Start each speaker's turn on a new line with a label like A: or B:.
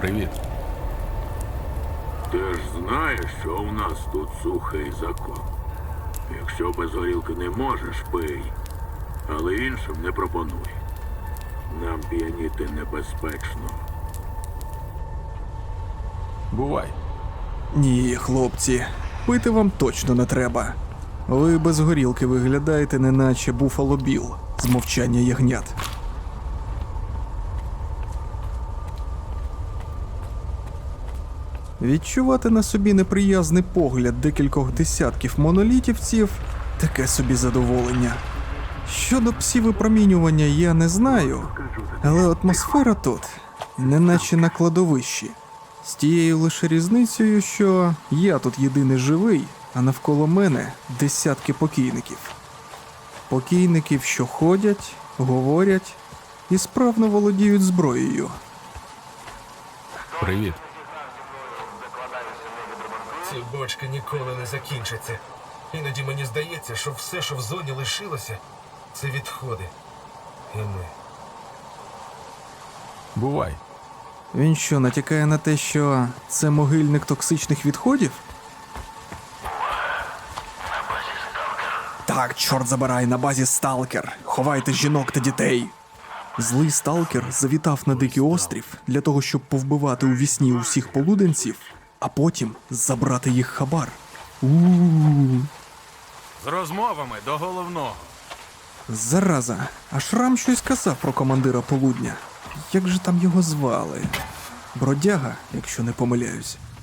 A: Привіт.
B: Ти ж знаєш, що у нас тут сухий закон. Якщо без горілки не можеш, пий. Але іншим не пропонуй. Нам п'яніти небезпечно.
A: Бувай.
C: Ні, хлопці, пити вам точно не треба. Ви без горілки виглядаєте, неначе Буффало Білл з «Мовчання ягнят». Відчувати на собі неприязний погляд декількох десятків монолітівців – таке собі задоволення. Щодо псі-випромінювання я не знаю, але атмосфера тут неначе на кладовищі. З тією лише різницею, що я тут єдиний живий, а навколо мене десятки покійників. Покійників, що ходять, говорять і справно володіють зброєю.
A: Привіт.
D: Ці бочки ніколи не закінчаться. Іноді мені здається, що все, що в зоні лишилося, це відходи. І ми.
A: Бувай.
C: Він що, натякає на те, що це могильник токсичних відходів? Так, чорт забирай, на базі сталкер. Ховайте жінок та дітей. Злий сталкер завітав на дикий острів для того, щоб повбивати у вісні усіх полуденців, а потім забрати їх хабар. У-у-у.
E: З розмовами до головного.
C: Зараза, а Шрам щось казав про командира полудня. Як же там його звали? Бродяга, якщо не помиляюсь.